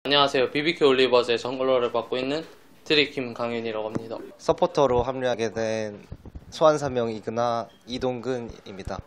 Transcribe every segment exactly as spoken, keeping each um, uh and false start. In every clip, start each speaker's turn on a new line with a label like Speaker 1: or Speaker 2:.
Speaker 1: 안녕하세요. 비비큐 올리버즈의 정글러를 맡고 있는 드리킴 강윤이라고 합니다.
Speaker 2: 서포터로 합류하게 된 소환사명 이그나 이동근입니다.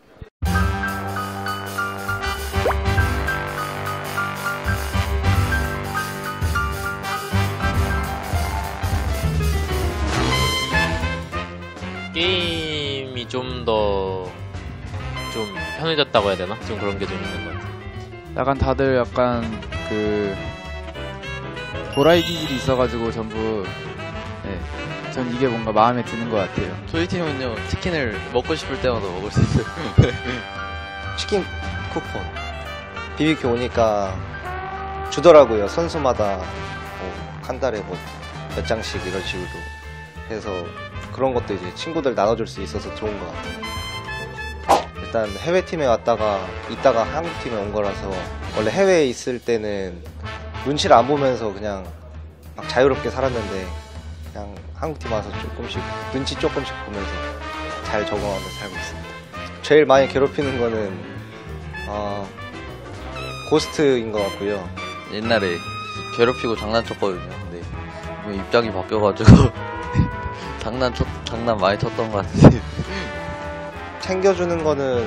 Speaker 3: 게임이 좀 더 좀 편해졌다고 해야 되나? 좀 그런 게 좀 있는 것 같아요.
Speaker 4: 약간 다들 약간 그 도라이 기질이 있어가지고 전부 네, 전 이게 뭔가 마음에 드는 것 같아요.
Speaker 5: 저희 팀은요, 치킨을 먹고 싶을 때마다 먹을 수 있어요.
Speaker 2: 치킨 쿠폰 비비큐 오니까 주더라고요. 선수마다 뭐 한 달에 뭐 몇 장씩 이런 식으로 해서 그런 것도 이제 친구들 나눠줄 수 있어서 좋은 것 같아요. 일단 해외팀에 왔다가 있다가 한국팀에 온 거라서 원래 해외에 있을 때는 눈치를 안 보면서 그냥 막 자유롭게 살았는데 그냥 한국팀 와서 조금씩 눈치 조금씩 보면서 잘 적응하면서 살고 있습니다. 제일 많이 괴롭히는 거는 어, 고스트인 것 같고요.
Speaker 5: 옛날에 괴롭히고 장난쳤거든요. 근데 입장이 바뀌어가지고 장난 쳤, 장난 많이 쳤던 것 같은데.
Speaker 2: 챙겨주는 거는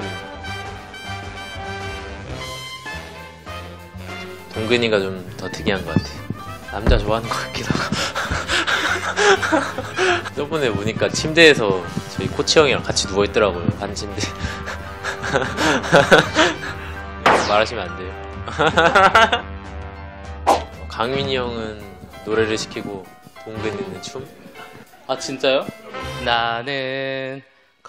Speaker 3: 동근이가 좀 더 특이한 것 같아요. 남자 좋아하는 것 같기도 하고. 저번에 보니까 침대에서 저희 코치 형이랑 같이 누워있더라고요. 반 침대. 말하시면 안 돼요. 강윤이 형은 노래를 시키고 동근이는 춤?
Speaker 1: 아 진짜요? 나는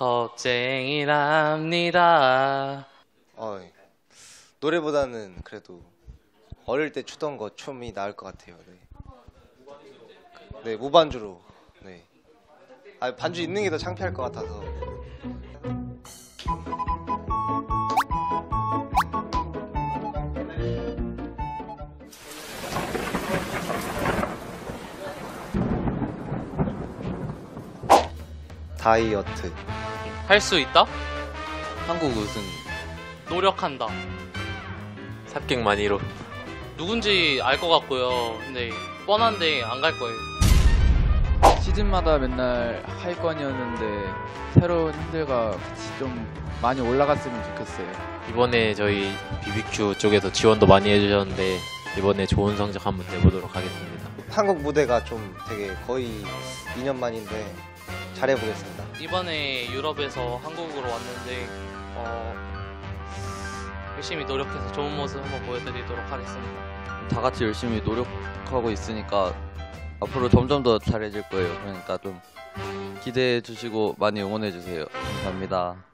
Speaker 1: 겁쟁이랍니다.
Speaker 2: 어, 노래보다는 그래도 어릴 때 추던 거 춤이 나을 것 같아요. 네, 네 무반주로. 네. 아, 반주 있는 게 더 창피할 것 같아서. 다이어트.
Speaker 1: 할 수 있다?
Speaker 5: 한국 우승.
Speaker 1: 노력한다.
Speaker 3: 삽객만이로.
Speaker 1: 누군지 알 것 같고요. 근데 뻔한데 안 갈 거예요.
Speaker 4: 시즌마다 맨날 하위권이었는데 새로운 핸들과 같이 좀 많이 올라갔으면 좋겠어요.
Speaker 3: 이번에 저희 비비큐 쪽에서 지원도 많이 해주셨는데 이번에 좋은 성적 한번 내보도록 하겠습니다.
Speaker 2: 한국 무대가 좀 되게 거의 이 년 만인데 잘해보겠습니다.
Speaker 1: 이번에 유럽에서 한국으로 왔는데 어, 열심히 노력해서 좋은 모습 한번 보여드리도록 하겠습니다.
Speaker 5: 다 같이 열심히 노력하고 있으니까 앞으로 점점 더 잘해질 거예요. 그러니까 좀 기대해 주시고 많이 응원해 주세요. 감사합니다.